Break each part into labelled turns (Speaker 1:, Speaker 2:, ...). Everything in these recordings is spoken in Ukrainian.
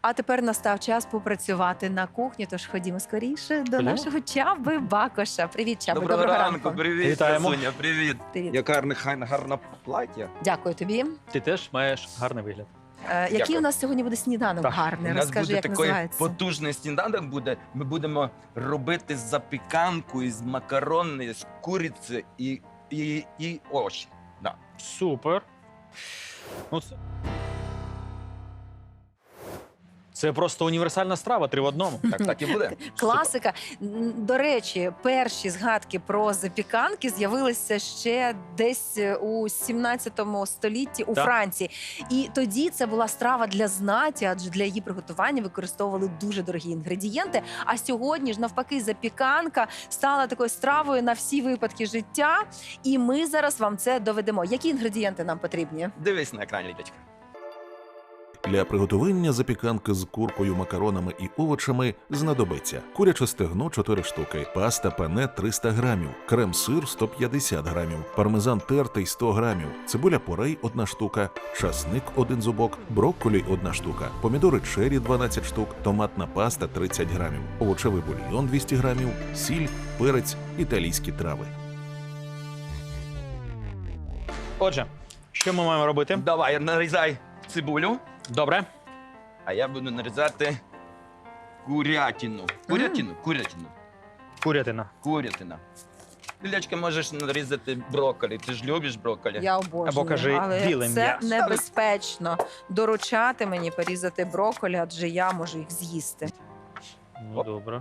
Speaker 1: А тепер настав час попрацювати на кухні, тож ходімо скоріше до
Speaker 2: Ходімо.
Speaker 1: нашого Чаби Бакоша. Привіт, Чаби,
Speaker 3: Доброго ранку, привіт,
Speaker 2: Вітаємо.
Speaker 3: Красуня, привіт.
Speaker 1: Привіт.
Speaker 3: Яка гарна плаття.
Speaker 1: Дякую тобі.
Speaker 2: Ти теж маєш гарний вигляд.
Speaker 1: Який
Speaker 3: Дякую.
Speaker 1: у нас сьогодні буде сніданок
Speaker 2: Так,
Speaker 1: гарний?
Speaker 3: У нас
Speaker 1: Розкажи,
Speaker 3: буде
Speaker 1: як
Speaker 3: такий
Speaker 1: називається.
Speaker 3: потужний сніданок буде. Ми будемо робити запіканку із макарони, з куриці і овочі. Да.
Speaker 2: Супер. Ну, це просто універсальна страва, 3 в одному.
Speaker 3: Так і буде.
Speaker 1: Класика. До речі, перші згадки про запіканки з'явилися ще десь у 17 столітті у
Speaker 2: Так.
Speaker 1: Франції. І тоді це була страва для знаті, адже для її приготування використовували дуже дорогі інгредієнти. А сьогодні ж, навпаки, запіканка стала такою стравою на всі випадки життя. І ми зараз вам це доведемо. Які інгредієнти нам потрібні?
Speaker 3: Дивись на екрані, Лідочка.
Speaker 4: Для приготування запіканки з куркою, макаронами і овочами знадобиться куряче стегно 4 штуки, паста пене 300 грамів, крем-сир 150 грамів, пармезан тертий 100 грамів, цибуля порей 1 штука, часник 1 зубок, брокколі 1 штука, помідори чері 12 штук, томатна паста 30 грамів, овочевий бульйон 200 грамів, сіль, перець, італійські трави.
Speaker 2: Отже, що ми маємо робити?
Speaker 3: Давай, нарізай цибулю,
Speaker 2: Добре.
Speaker 3: а я буду нарізати курятину. Курятина.
Speaker 2: Курятина.
Speaker 3: Лілячка, можеш нарізати брокколі. Ти ж любиш брокколі?
Speaker 1: Я обожнюю,
Speaker 2: Або кажи
Speaker 1: але
Speaker 2: біле
Speaker 1: це
Speaker 2: м'ясо.
Speaker 1: небезпечно доручати мені порізати брокколі, адже я можу їх з'їсти.
Speaker 2: Ну,
Speaker 3: Оп.
Speaker 2: добре.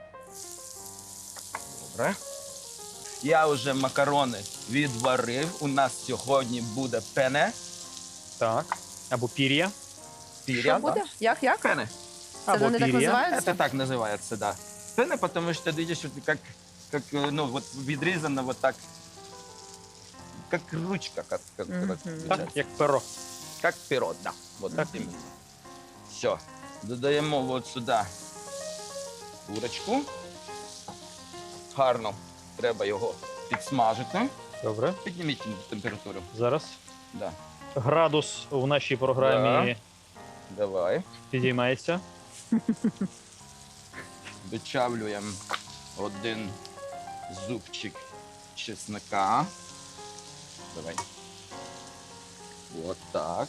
Speaker 3: Добре. Я вже макарони відварив. У нас сьогодні буде пене.
Speaker 2: Так. Або пір'я.
Speaker 3: Піря,
Speaker 1: Що буде? Як?
Speaker 3: Пене.
Speaker 1: Це
Speaker 2: Або
Speaker 1: вони так
Speaker 2: пір'я.
Speaker 1: називаються?
Speaker 3: Это так называется, да. Пене, потому что, видишь, вот как, ну, вот відрізано вот так, как ручка, как
Speaker 1: Мгм.
Speaker 2: Так, як перо.
Speaker 3: как перо, да. Вот
Speaker 2: Так.
Speaker 3: так. Все. Додаємо вот сюди курочку. Гарно. Треба його підсмажити.
Speaker 2: Добре.
Speaker 3: Підніміть температуру.
Speaker 2: Зараз.
Speaker 3: Да.
Speaker 2: Градус в нашій програмі
Speaker 3: Давай.
Speaker 2: підіймається.
Speaker 3: Вичавлюємо 1 зубчик чеснока. Давай. Вот так.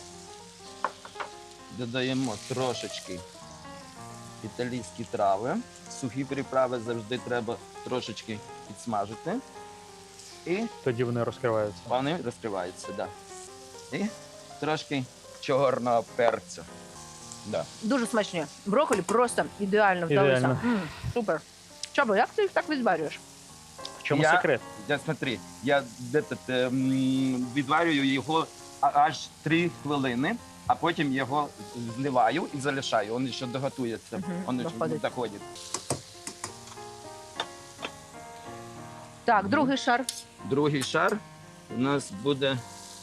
Speaker 3: Додаємо трошечки італійські трави. Сухі приправи завжди треба трошечки підсмажити. І
Speaker 2: Тоді вони розкриваються.
Speaker 3: вони розкриваються, да. І трошки чорного перцю. Да.
Speaker 1: Дуже смачні. Брокколі просто ідеально вдалося.
Speaker 2: Ідеально.
Speaker 1: Супер. Чабо, як ти їх так відварюєш?
Speaker 2: В чому
Speaker 3: Я-
Speaker 2: секрет?
Speaker 3: Я смотри, я відварюю його аж 3 хвилини, а потім його зливаю і залишаю. Він ще доготується.
Speaker 1: Мгм,
Speaker 3: Він ще
Speaker 1: доходить.
Speaker 3: доходить.
Speaker 1: Так,
Speaker 3: Мгм.
Speaker 1: другий шар.
Speaker 3: Другий шар у нас буде.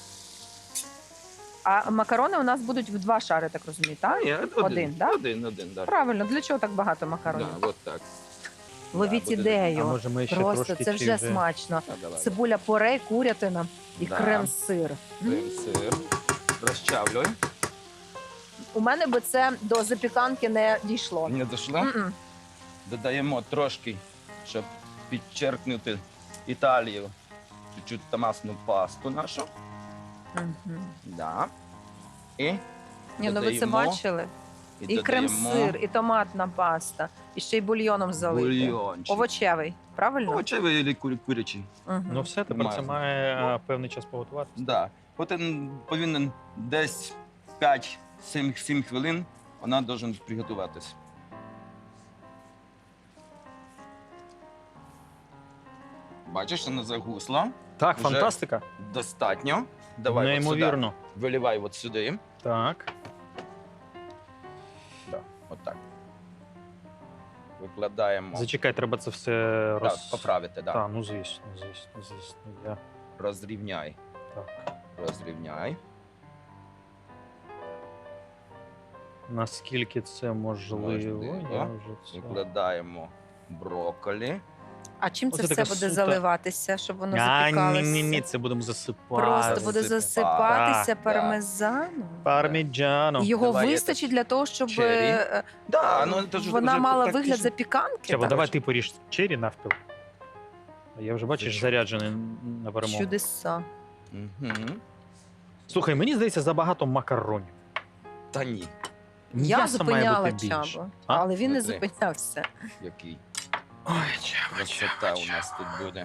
Speaker 1: А макарони у нас будуть в 2 шари, так розумію, так?
Speaker 3: Ні,
Speaker 1: Один, да?
Speaker 3: Один, да.
Speaker 1: Правильно, для чого так багато макаронів?
Speaker 3: Да, от так.
Speaker 1: Ловіть
Speaker 3: буде-
Speaker 2: А
Speaker 1: ідею.
Speaker 2: може ми ще
Speaker 1: Просто
Speaker 2: трошки
Speaker 1: це
Speaker 2: чи
Speaker 1: вже смачно.
Speaker 3: А, давай.
Speaker 1: Цибуля порей, курятина і
Speaker 3: Да.
Speaker 1: крем-сир.
Speaker 3: Крем-сир. Розчавлюй.
Speaker 1: У мене би це до запіканки не дійшло.
Speaker 3: Не дійшло?
Speaker 1: М-м.
Speaker 3: Додаємо трошки, щоб підчеркнути Італію. Чуть-чуть томатну пасту нашу.
Speaker 1: Мгм.
Speaker 3: Да. І
Speaker 1: Ні, ну ви це
Speaker 3: додаємо-
Speaker 1: бачили? І
Speaker 3: додаємо
Speaker 1: крем-сир, і томатна паста, і ще й бульйоном залити.
Speaker 3: бульйончик.
Speaker 1: Овочевий, правильно?
Speaker 3: Овочевий или курячий.
Speaker 1: Мгм.
Speaker 2: Ну все, тепер це
Speaker 3: Мазано.
Speaker 2: має певний час поготуватися.
Speaker 3: Да. От він повинен десь 5-7 хвилин вона повинна приготуватись. Бачиш, вона загусла.
Speaker 2: Так,
Speaker 3: Вже
Speaker 2: фантастика.
Speaker 3: Достатньо. Давай от сюди.
Speaker 2: Неймовірно.
Speaker 3: Виливай от сюди.
Speaker 2: Так.
Speaker 3: Да, от так. Викладаємо.
Speaker 2: Зачекай, треба це все
Speaker 3: Да, поправити, да.
Speaker 2: Так, ну звісно. Я...
Speaker 3: Розрівняй.
Speaker 2: Так.
Speaker 3: Розрівняй.
Speaker 2: Наскільки це можливо,
Speaker 3: Можливо.
Speaker 2: я вже це...
Speaker 3: Викладаємо брокколі.
Speaker 1: А чим це
Speaker 2: Оце
Speaker 1: все
Speaker 2: така
Speaker 1: буде
Speaker 2: сута.
Speaker 1: заливатися, щоб воно
Speaker 2: А,
Speaker 1: запікалося?
Speaker 2: ні, це будемо засипати.
Speaker 1: Просто буде засипатися
Speaker 3: Так.
Speaker 1: пармезаном.
Speaker 2: Парміджано.
Speaker 1: І його
Speaker 3: Давай
Speaker 1: вистачить для того, щоб
Speaker 3: черрі. Да, ну, це ж
Speaker 1: вона
Speaker 3: вже
Speaker 1: мала
Speaker 3: так
Speaker 1: вигляд
Speaker 3: піш-
Speaker 1: запіканки.
Speaker 2: Чаба,
Speaker 1: так?
Speaker 2: давай ти поріж чері навпіл. А я вже, бачиш,
Speaker 3: Зачем?
Speaker 2: заряджений на перемогу.
Speaker 1: Чудеса.
Speaker 3: Мгм.
Speaker 2: Слухай, мені здається, забагато макаронів.
Speaker 3: Та ні,
Speaker 1: Я
Speaker 2: М'яса має
Speaker 1: зупиняла
Speaker 2: бути більше.
Speaker 1: Чабу,
Speaker 2: А?
Speaker 1: але він не
Speaker 3: Смотри.
Speaker 1: зупинявся.
Speaker 3: який
Speaker 2: Ой, Чаба,
Speaker 3: красота у нас тут буде.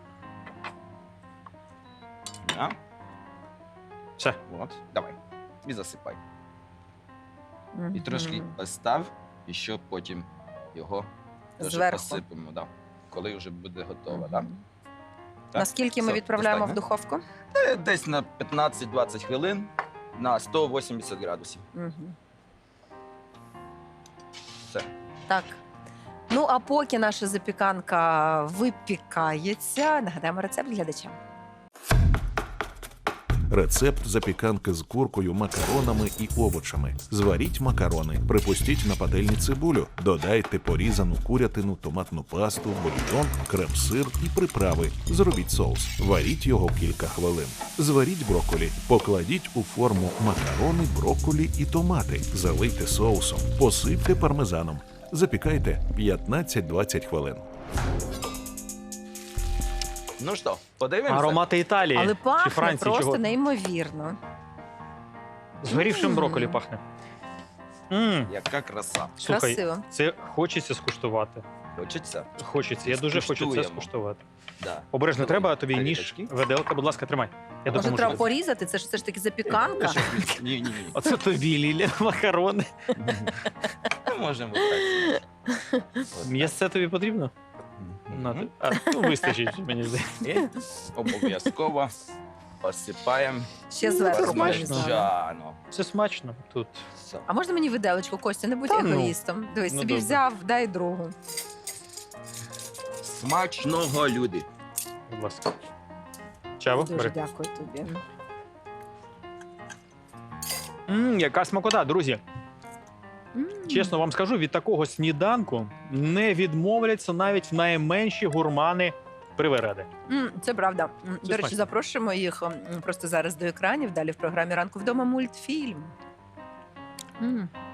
Speaker 3: Да?
Speaker 2: Все.
Speaker 3: От, давай. І засипай. І
Speaker 1: Мгм.
Speaker 3: трошки постав, і що потім його теж
Speaker 1: Зверху.
Speaker 3: посипемо, да. Коли вже буде готово.
Speaker 1: Мгм.
Speaker 3: Да? Так?
Speaker 1: Наскільки ми
Speaker 3: Все,
Speaker 1: відправляємо в
Speaker 3: достатньо?
Speaker 1: духовку?
Speaker 3: Десь на 15-20 хвилин на 180 градусів.
Speaker 1: Мгм.
Speaker 3: Все.
Speaker 1: Так. Ну, а поки наша запіканка випікається, нагадаємо рецепт глядачам.
Speaker 4: Рецепт запіканки з куркою, макаронами і овочами. Зваріть макарони, припустіть на пательні цибулю, додайте порізану курятину, томатну пасту, бульйон, крем-сир і приправи. Зробіть соус. Варіть його кілька хвилин. Зваріть брокколі. Покладіть у форму макарони, брокколі і томати. Залийте соусом. Посипте пармезаном. Запікайте 15-20 хвилин.
Speaker 3: Ну що, подивимося?
Speaker 2: Аромати Італії
Speaker 1: Але
Speaker 2: чи
Speaker 1: пахне
Speaker 2: Франції,
Speaker 1: просто
Speaker 2: чого?
Speaker 1: неймовірно.
Speaker 2: Згорівшим
Speaker 1: Мм.
Speaker 2: брокколі пахне.
Speaker 3: Яка краса.
Speaker 2: Слухай,
Speaker 1: Красиво.
Speaker 2: це хочеться скуштувати.
Speaker 3: Хочеться?
Speaker 2: Хочеться, я дуже хочу це
Speaker 3: Скуштуємо.
Speaker 2: скуштувати.
Speaker 3: Да.
Speaker 2: Обережно,
Speaker 3: Давай.
Speaker 2: треба тобі
Speaker 3: А
Speaker 2: ніж,
Speaker 3: літачки?
Speaker 2: виделка, будь ласка, тримай. Я
Speaker 1: Може,
Speaker 2: допоможу.
Speaker 1: треба
Speaker 2: тобі.
Speaker 1: порізати? Це ж все ж таки запіканка.
Speaker 3: Ні.
Speaker 2: Оце тобі, Ліля, макарони.
Speaker 3: Ми можемо так. От
Speaker 2: М'ясце тобі потрібно?
Speaker 3: так.
Speaker 2: На,
Speaker 3: Мгм.
Speaker 2: ну, вистачить, мені здається.
Speaker 3: І обов'язково посипаємо
Speaker 1: Ще зверху.
Speaker 2: смачно.
Speaker 3: пармезану.
Speaker 2: Це смачно тут.
Speaker 3: Все.
Speaker 1: А можна мені виделочку, Костя? Не будь
Speaker 2: Та ну.
Speaker 1: егоїстом. Дивись,
Speaker 2: Ну,
Speaker 1: собі
Speaker 2: добре.
Speaker 1: взяв, дай другу.
Speaker 3: Смачного, люди.
Speaker 2: Будь ласка. Чаво,
Speaker 1: Дуже
Speaker 2: бери.
Speaker 1: дякую тобі.
Speaker 2: Яка смакота, друзі.
Speaker 1: М.
Speaker 2: Чесно вам скажу, від такого сніданку не відмовляться навіть найменші гурмани привереди.
Speaker 1: Це правда. До речі,
Speaker 2: смачно.
Speaker 1: запрошуємо їх просто зараз до екранів. Далі в програмі «Ранку вдома» мультфільм.